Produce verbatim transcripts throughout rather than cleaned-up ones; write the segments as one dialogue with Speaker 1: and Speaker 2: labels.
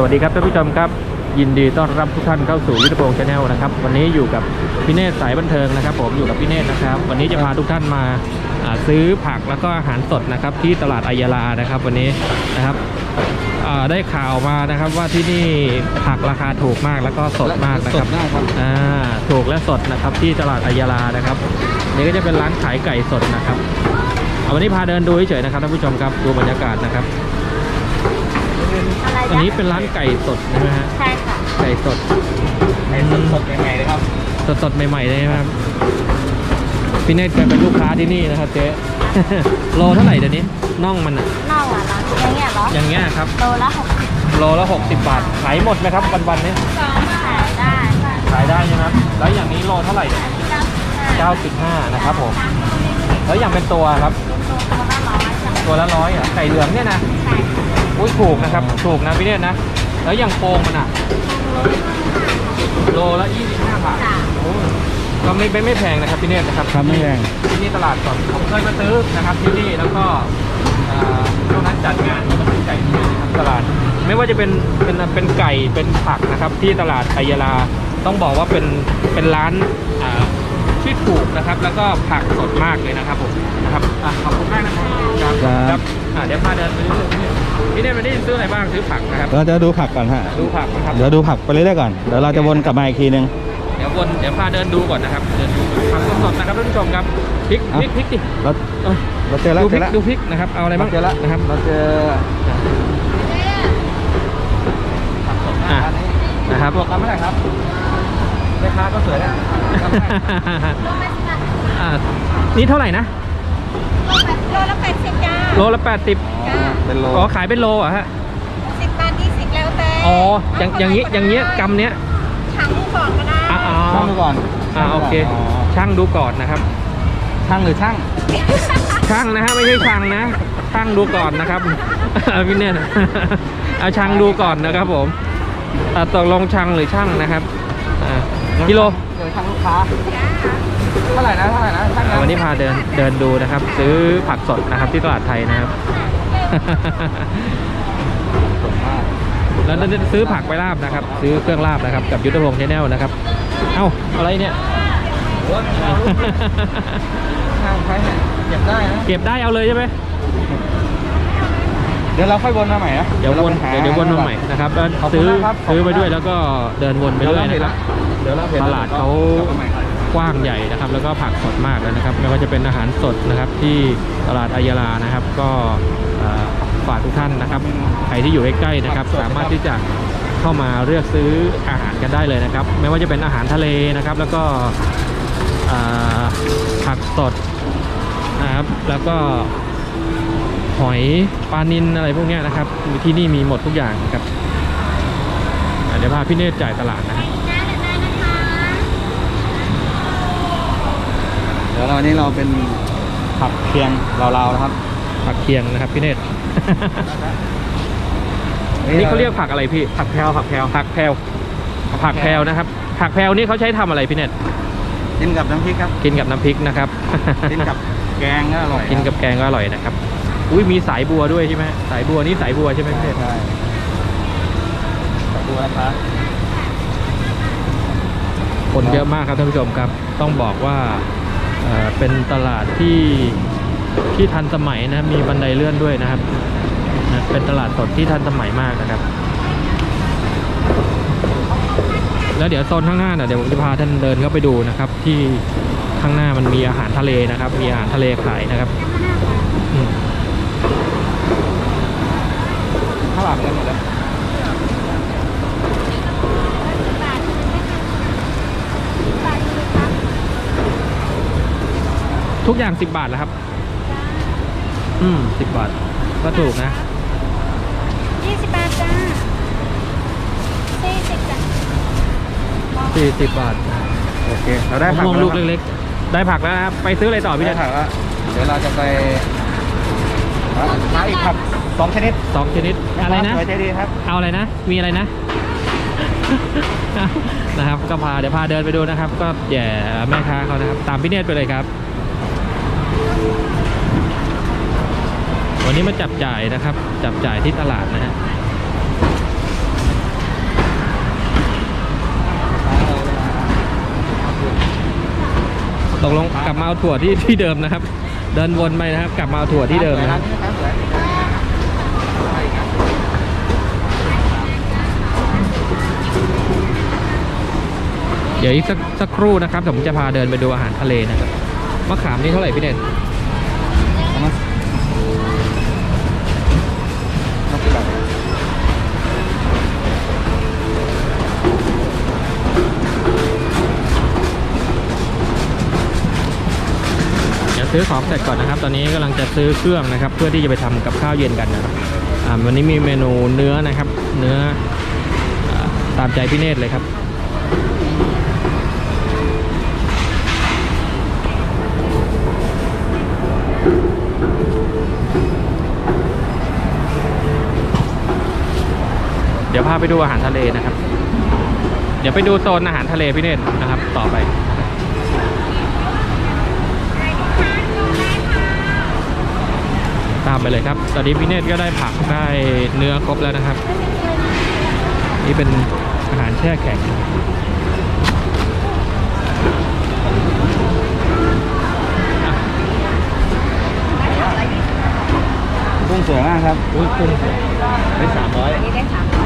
Speaker 1: วัสดีครับท่านผู้ชมครับยินดีต้อนรับทุกท่านเข้าสู่ยุทธพงศ์ชาแนลนะครับวันนี้อยู่กับพี่เนตรสายบันเทิงนะครับผมอยู่กับพี่เนตรนะครับวันนี้จะพาทุกท่านมาซื้อผักแล้วก็อาหารสดนะครับที่ตลาดอัยยาลานะครับวันนี้นะครับได้ข่าวมานะครับว่าที่นี่ผักราคาถูกมากแล้วก็สดมากนะครับอ่าถูกและสดนะครับที่ตลาดอัยยาลานะครับนี่ก็จะเป็นร้านขายไก่สดนะครับวันนี้พาเดินดูเฉยๆนะครับท่านผู้ชมครับดูบรรยากาศนะครับอันนี้เป็นร้านไก่สดใช่ไหมฮะใช่ค่ะไก่สดไก่สดสดใหม่ๆเลยครับสดสดใหม่ๆเลยครับพี่เนตรเคยเป็นลูกค้าที่นี่นะครับเจ๊โลเท่าไหร่เดี๋ยวนี้น่องมันอ่ะน่องอ่ะอย่างเงี้ยเหรออย่างเงี้ยครับโลละหกสิบโลละหกสิบบาทขายหมดไหมครับวันๆนี้ขายได้ขายได้ใช่ไหมครับแล้วอย่างนี้โลเท่าไหร่เนี่ยเก้าสิบห้านะครับผมแล้วอย่างเป็นตัวครับตัวละร้อยอ่ะไก่เหลืองเนี่ยนะอุ้ยถูกนะครับถูกนะพี่เนตรนะแล้วอย่างโครงมันอ่ะโลละยี่สิบห้าบาทก็ไม่ไม่ไม่แพงนะครับพี่เนตรนะครับครับไม่แพงที่นี่ตลาดสดผมเคยมาซื้อนะครับที่นี่แล้วก็ช่วงนั้นจัดงานก็ซื้อไก่ที่นี่นะครับตลาดไม่ว่าจะเป็นเป็นเป็นไก่เป็นผักนะครับที่ตลาดอัยยาลาต้องบอกว่าเป็นเป็นร้านที่ถูกนะครับแล้วก็ผักสดมากเลยนะครับผมนะครับขอบคุณมากนะครับครับเดี๋ยวพาเดินไปเรื่อยๆพี่เนตรไม่ได้ซื้ออะไรบ้างซื้อผักนะครับ
Speaker 2: เราจะดูผักก่อนฮะ
Speaker 1: ดูผักนะครับ
Speaker 2: เดี๋ยวดูผักไปเรื่อยๆก่อนเดี๋ยวเราจะวนกลับมาอีกทีนึง
Speaker 1: เดี๋ยววนเดี๋ยวพาเดินดูก่อนนะครับเดินดูผักสดๆนะครับท่านผู้ชมครับพริกพริกพริกดิ
Speaker 2: เราเราเจอแล้ว
Speaker 1: ดูพริกดูพริกนะครับเอาอะไรบ้าง
Speaker 2: เจอแล้ว
Speaker 1: นะครับ
Speaker 2: เราเจอ
Speaker 1: นะครับ
Speaker 2: บอกกันไม่ได้ครับแม่ค้าก็สวยแล้ว
Speaker 1: นี่เท่าไหร่นะ
Speaker 3: โลละแปดสิบจ้า
Speaker 1: โลละแปดสิบ
Speaker 2: เป็นโล
Speaker 1: อ๋อขายเป็นโลอ่ะฮะ
Speaker 3: สิบบาทยี่สิบแล้วแต่
Speaker 1: อ๋ออย่างอย่างนี้อย่างเงี้ยกำเนี้ย
Speaker 3: ช่างดูก่อนก็ได้
Speaker 2: ช่างดูก่อน
Speaker 1: อ่าโอเคช่างดูก่อนนะครับ
Speaker 2: ช่างหรือช่าง
Speaker 1: ช่างนะฮะไม่ใช่ช่างนะช่างดูก่อนนะครับพี่เนตรเอาช่างดูก่อนนะครับผมตกลงช่างหรือช่างนะครับกิโล
Speaker 2: เดี๋ยวช่างลูกค้าเท่าไหร่นะเท่าไหร่นะ
Speaker 1: วันนี้พาเดินเดินดูนะครับซื้อผักสดนะครับที่ตลาดไทยนะครับแล้วจะซื้อผักไปลาบนะครับซื้อเครื่องลาบนะครับกับยุทธพงศ์ชาแนลนะครับเอ้าอะไรเนี่ย
Speaker 2: เก็บได้นะ
Speaker 1: เก็บได้เอาเลยใช่ไหม
Speaker 2: เดี๋ยวเราค่อยวนมาใหม่นะ
Speaker 1: เดี๋ยววนเดี๋ยวเดี๋ยววนมาใหม่นะครับแล้วซื้อซื้อไปด้วยแล้วก็เดินวนไปด้วยนะครับตลาดเขากว้างใหญ่นะครับแล้วก็ผักสดมากเลยนะครับไม่ว่าจะเป็นอาหารสดนะครับที่ตลาดอัยยาลานะครับก็ฝากทุกท่านนะครับใครที่อยู่ใกล้ๆนะครับสามารถที่จะเข้ามาเลือกซื้ออาหารกันได้เลยนะครับไม่ว่าจะเป็นอาหารทะเลนะครับแล้วก็ผักสดนะครับแล้วก็หอยปลานิลอะไรพวกนี้นะครับที่นี่มีหมดทุกอย่างครับเดี๋ยวพาพี่เนตรจ่ายตลาดนะ
Speaker 2: เดี๋ยวเรานี้เราเป็นผักเคียงเราๆนะครับ
Speaker 1: ผักเคียงนะครับพี่เนตรนี่เขาเรียกผักอะไรพี่
Speaker 2: ผักแพรวผักแพรว
Speaker 1: ผักแพรวผักแพรวนะครับผักแพรวนี่เขาใช้ทำอะไรพี่เนตร
Speaker 2: กินกับน้ำพริกครับ
Speaker 1: กินกับน้ำพริกนะครับ
Speaker 2: กินกับแกงก็อร่อย
Speaker 1: กินกับแกงก็อร่อยนะครับอุ้ยมีสายบัวด้วยใช่ไหมสายบัวนี่สายบัวใช่ไหมพี่เนตร
Speaker 2: ใช่สายบัวนะครับ
Speaker 1: คนเยอะมากครับท่านผู้ชมครับต้องบอกว่าเป็นตลาดที่ที่ทันสมัยนะมีบันไดเลื่อนด้วยนะครับเป็นตลาดสดที่ทันสมัยมากนะครับแล้วเดี๋ยวโซนข้างหน้าเดี๋ยวผมจะพาท่านเดินเข้าไปดูนะครับที่ข้างหน้ามันมีอาหารทะเลนะครับมีอาหารทะเลขายนะครับ
Speaker 2: ข้าวหลามกันหมดเลย
Speaker 1: ทุกอย่างสิบบาทแล้วครับอืมสิบบาทก็ถูกนะ
Speaker 3: ยี่สิบบาทจ้าสี่สิบจ้ะ
Speaker 1: สี่สิบบาท
Speaker 2: โอเคเราได้ผัก
Speaker 1: ลูกเล็กๆได้ผักแล้วนะครับไปซื้ออะไรต่อพี่เนตร
Speaker 2: ผักแล้วเดี๋ยวเราจะไปหาอีกผักสองชนิด
Speaker 1: สองชนิดอะไรนะ
Speaker 2: สวยใจดีครับ
Speaker 1: เอาอะไรนะมีอะไรนะนะครับก็พาเดี๋ยวพาเดินไปดูนะครับก็แย่แม่ค้าเขานะครับตามพี่เนตรไปเลยครับวันนี้มาจับจ่ายนะครับจับจ่ายที่ตลาดนะฮะตกลงกลับมาเอาถั่วที่ที่เดิมนะครับ เดินวนไปนะครับ กลับมาเอาถั่วที่เดิมนะครับ เดี๋ยวอีกสักสักครู่นะครับผมจะพาเดินไปดูอาหารทะเลนะครับมะขามนี่เท่าไหร่พี่เด่นเดี๋ยวซื้อของเสร็จก่อนนะครับ ตอนนี้กำลังจะซื้อเครื่องนะครับ เพื่อที่จะไปทำกับข้าวเย็นกันนะครับอ่าวันนี้มีเมนูเนื้อนะครับ เนื้ออ่าตามใจพี่เนตรเลยครับ เดี๋ยวพาไปดูอาหารทะเลนะครับ เดี๋ยวไปดูโซนอาหารทะเลพี่เนตรนะครับ ต่อไป ตามไปเลยครับ ตอนนี้พี่เนตรก็ได้ผักได้เนื้อครบแล้วนะครับ นี่เป็นอาหารแช่แข็ง
Speaker 2: กุ้งสวยมากครับ
Speaker 1: อุ้ยกุ้งได้สามร้อย
Speaker 3: อันนี้ได้สามร้อย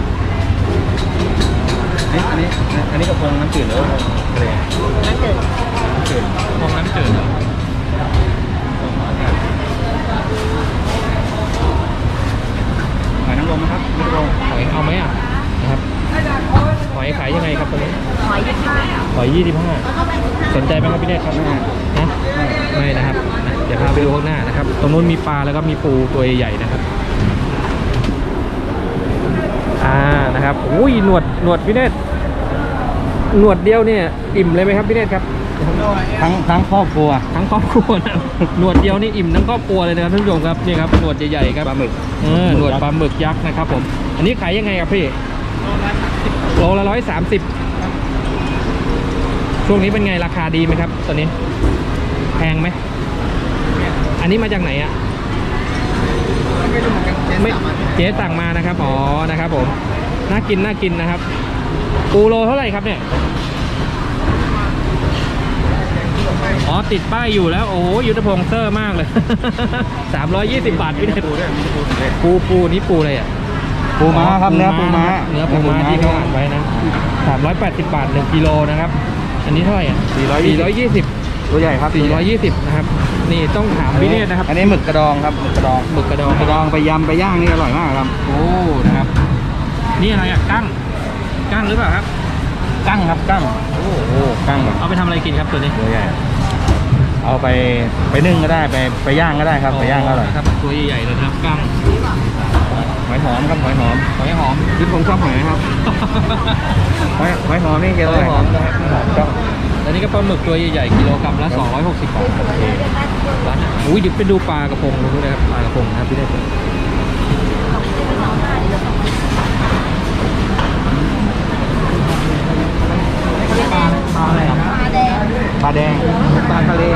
Speaker 2: อันนี้อันนี้อันนี้กระพงน้ำจืดหรือว่าทะเล
Speaker 3: น้ำจืด
Speaker 2: น้ำจืด
Speaker 1: มองน้ำจืดเหรอ
Speaker 2: หอยนางรมนะครับนี่กระพง
Speaker 1: หอยเอาไหมอ่ะนะครับหอยขายยังไงครับตอนนี้
Speaker 3: หอยยี่สิบห้า
Speaker 1: หอยยี่สิบห้า
Speaker 3: แล้วก็เป็นสิบห้า
Speaker 1: สนใจไหมครับพี่เนตรครับนะไม่นะครับนะเดี๋ยวพาไปดูข้างหน้านะครับ ตรงนู้นมีปลาแล้วก็มีปูตัวใหญ่ๆนะครับอ่านะครับอุ้ยหนวดหนวดพี่เนตรหนวดเดียวเนี่ยอิ่มเลยไหมครับพี่เนตรครับ
Speaker 2: ทั้งทั้งครอบครัว
Speaker 1: ทั้งครอบครัวนะหนวดเดียวนี่อิ่มทั้งครอบครัวเลยนะครับท่านผู้ชมครับนี่ครับหนวดใหญ่ๆครับ
Speaker 2: ปลาหมึก
Speaker 1: เออหนวดปลาหมึกยักษ์นะครับผมอันนี้ขายยังไงครับพี่โลละร้อยสามสิบช่วงนี้เป็นไงราคาดีไหมครับตอนนี้แพงไหมอันนี้มาจากไหนอ่ะไม่เจ๊สั่งมานะครับอ๋อนะครับผมน่ากินน่ากินนะครับปูโลเท่าไหร่ครับเนี่ยอ๋อติดป้ายอยู่แล้วโอ้ยยุทธพงศ์เซอร์มากเลย สามร้อยยี่สิบบาทพี่เนตร
Speaker 2: ปูด้วยมีปูด้วย
Speaker 1: ปูปูนี่ปูอะไรอ่ะ
Speaker 2: ปูม้าครับเนื้อปูม้า
Speaker 1: เนื้อปูม้าที่เขาอ่านไว้นะสามร้อยแปดสิบบาทหนึ่งกิโลนะครับอันนี้เท่าไหร่อ่ะ
Speaker 2: สี่ร้อยยี่
Speaker 1: สี่ร้อยยี่สิบ
Speaker 2: ตัวใหญ่ครับ
Speaker 1: สี่ร้อยยี่สิบนะครับนี่ต้องถามพี่เนตรนะครับ
Speaker 2: อันนี้หมึกกระดองครับหมึกกระดอง
Speaker 1: หมึกกระดอง
Speaker 2: กระดองไปยำไปย่างนี่อร่อยมากครับ
Speaker 1: โอ้นะครับนี่อะไรอ่ะกั้งกั้งหรือเปล่าครับ
Speaker 2: กั้งครับกั้ง
Speaker 1: โอ้โห
Speaker 2: กั้งแบบ
Speaker 1: เอาไปทำอะไรกินครับตัวนี้
Speaker 2: ตัวใหญ่เอาไปไปนึ่งก็ได้ไปไปย่างก็ได้ครับไปย่างก็อร่อย
Speaker 1: ครับตัวใหญ่ๆเลยนะครับกั้ง
Speaker 2: หอยหอมครับหอยหอม
Speaker 1: หอยหอม
Speaker 2: ที่ผมชอบหอยครับหอยหอยหอมนี่เกลือ
Speaker 1: หอยหอมนะครับ
Speaker 2: ครับ
Speaker 1: อันนี้ก็ปลาหมึกตัวใหญ่ๆกิโลกรัมละสองร้อยหกสิบบาทโอเคร้านอ่ะอุ้ยเดี๋ยวไปดูปลากระพงดูนะครับปลากระพงนะครับพี่เนตรปลาปลาอะไรครับ
Speaker 3: ปลาแดง
Speaker 2: ปลาแดงปลาทะเล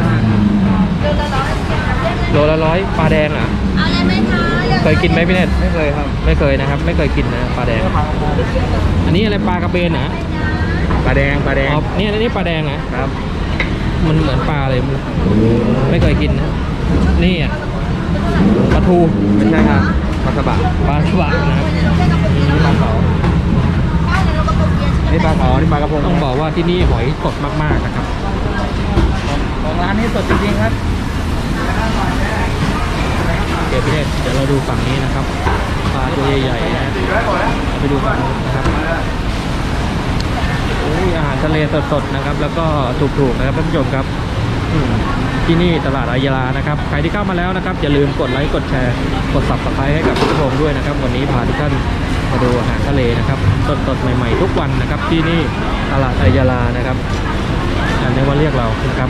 Speaker 3: โลละร้อย
Speaker 1: โลละร้อยปลาแดงเหรอ่ะ
Speaker 3: เอาอะไรไหมคะ
Speaker 1: เคยกินไหมพี่เนตร
Speaker 2: ไม่เคยครับ
Speaker 1: ไม่เคยนะครับ ไม่เคยกินนะปลาแดง อันนี้อะไรปลากระเบนนะ
Speaker 2: ปลาแดงปลาแดง
Speaker 1: อ๋อนี่อันนี้ปลาแดงนะครับ มันเหมือนปลาเลยไม่เคยกินนะนี่อ่ะปลาทู
Speaker 2: ไม่ใช่ครับปลาสบะ
Speaker 1: ปลาสวะนะครับ
Speaker 2: นี่ปลาเขานี่ปลาเขานี่ปลากระพง
Speaker 1: ต้องบอกว่าที่นี่หอยสดมากๆนะครับ
Speaker 2: ของร้านนี้สดจริงๆครับ
Speaker 1: เดี๋ยวพี่เดชเดี๋ยวเราดูฝั่งนี้นะครับปลาตัวใหญ่ๆนะไปดูฝั่งนู้นนะครับโอ้ยอาหารทะเลสดๆนะครับ แล้วก็ถูกๆนะครับท่านผู้ชมครับอืมที่นี่ตลาดอายาลานะครับใครที่เข้ามาแล้วนะครับอย่าลืมกดไลค์กดแชร์กด ซับสไครบ์ ให้กับทุกคนด้วยนะครับ วันนี้พาทุกท่านมาดูอาหารทะเลนะครับสดๆใหม่ๆทุกวันนะครับ ที่นี่ตลาดอายาลานะครับอันนี้ว่าเรียกเรานะครับ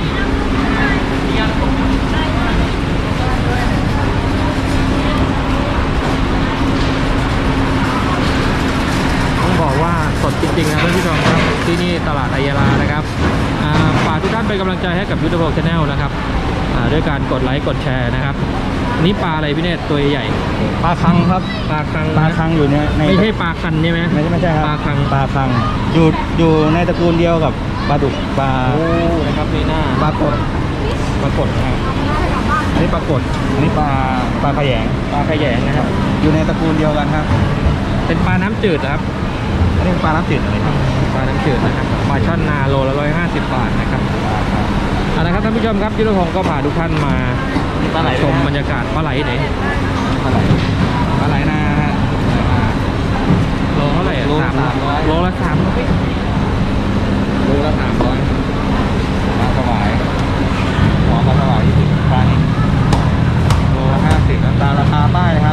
Speaker 1: ต้องบอกว่าสดจริงๆนะท่านผู้ชมครับที่นี่ตลาดอายาลานะครับอ่าฝากทุกท่านเป็นกำลังใจให้กับยูทูบชาแนลนะครับอ่าด้วยการกดไลค์กดแชร์นะครับนี่ปลาอะไรพี่เนตรตัวใหญ่
Speaker 2: ปลาคังครับ
Speaker 1: ปลาคัง
Speaker 2: ปลาคังอยู่เนี่ยใน
Speaker 1: ไม่ใช่ปลาคันใช่ไหม
Speaker 2: ไม่ใช่ไม่ใช่ครับ
Speaker 1: ปลาคัง
Speaker 2: ปลาคังอยู่อยู่ในตระกูลเดียวกับปลาดุกปลา
Speaker 1: โอ้นะครับนี่หน้า
Speaker 2: ปลากด
Speaker 1: ปรากฏนะครับอันนี้ปรากฏ
Speaker 2: อันนี้ปลาปลาขยง
Speaker 1: ปลาขยงนะครับ
Speaker 2: อยู่ในตระกูลเดียวกันครับ
Speaker 1: เป็นปลาน้ำจืดนะครับ
Speaker 2: อันนี้ปลาน้ำจืดอะไรครับ
Speaker 1: ปลาน้ำจืดนะครับปลาช่อนนาโลละร้อยห้าสิบบาทนะครับเอาละครับท่านผู้ชมครับยุทธพงศ์ก็พาทุกท่านมา
Speaker 2: ปลาไหล
Speaker 1: ชมบรรยากาศปลาไหลไหน
Speaker 2: ปลาไหลปลาไหลนาฮะ
Speaker 1: โลเท่าไหร่อะ
Speaker 2: โลละ
Speaker 1: สาม
Speaker 2: สามร้อย
Speaker 1: โลละสามร้อยโลละสามร้อย
Speaker 2: ปลาสวายหัวปลาสวายยี่สิบปลานี้โลละห้าสิบตามราคาป้ายนะครับ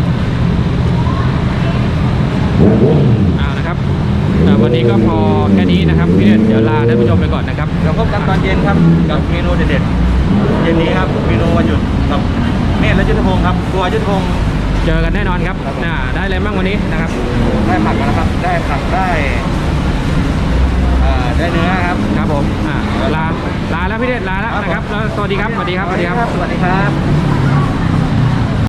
Speaker 1: เอานะครับแต่วันนี้ก็พอแค่นี้นะครับพี่เด่นเดี๋ยวลาท่านผู้ชมไปก่อนนะครับ
Speaker 2: เดี๋ยวพบกันตอนเย็นครับกับเมนูเด็ดๆเย็นนี้ครับเมนูวันหยุดกับเมธและยุทธพงศ์ครับตัวยุทธพงศ์
Speaker 1: เจอกันแน่นอนครับน่าได้อะไรบ้างวันนี้นะครับ
Speaker 2: ได้ผักมาแล้วครับ ได้ผักได้เอ่อได้เนื้อครับ
Speaker 1: ครับผมอ่าลาลาแล้วพี่เด่นลาแล้วนะครับแล้วสวัสดีครับสวัสดีครับสวัสดีครับ
Speaker 2: สวัสดีครับ